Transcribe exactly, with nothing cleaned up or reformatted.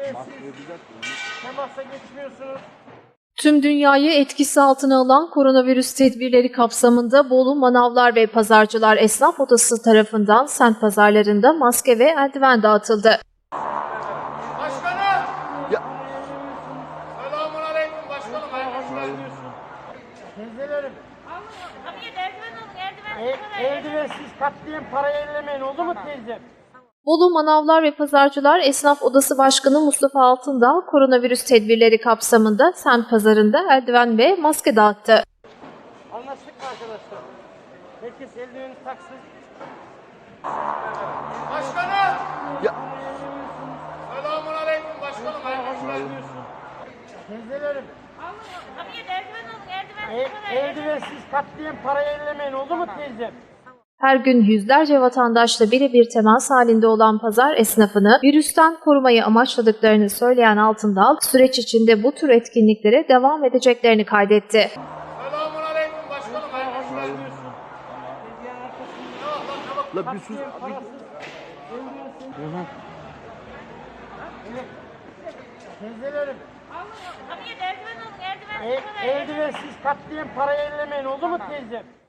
eldivensiz temasa geçmiyorsunuz. Tüm dünyayı etkisi altına alan koronavirüs tedbirleri kapsamında Bolu Manavlar ve Pazarcılar Esnaf Odası tarafından semt pazarlarında maske ve eldiven dağıtıldı. Başkanım! Ya. Selamun aleyküm başkanım. Hayırlı işler. Teyzelerim, Abi eldiven alın, eldiven. el, eldivensiz katliam parayı ellemeyin, oldu mu teyzem? Bolu Manavlar ve Pazarcılar Esnaf Odası Başkanı Mustafa Altındağ, koronavirüs tedbirleri kapsamında semt pazarında eldiven ve maske dağıttı. Anlaştık mı arkadaşlar? Herkes eldiveni taksın. Başkanım! Ya. Selamun aleyküm başkanım. Hayırlı işler. Teyzelerim, Abi eldiven alın, eldiven. el, eldivensiz katliam parayı ellemeyin, oldu mu teyzem? Her gün yüzlerce vatandaşla birebir temas halinde olan pazar esnafını virüsten korumayı amaçladıklarını söyleyen Altındağ, süreç içinde bu tür etkinliklere devam edeceklerini kaydetti. Selamun aleyküm başkanım. Hayırlı işler. La bir sus. Teyzelerim, Abi eldiven alın, eldiven. el, eldivensiz katliam parayı ellemeyin, oldu mu teyzem?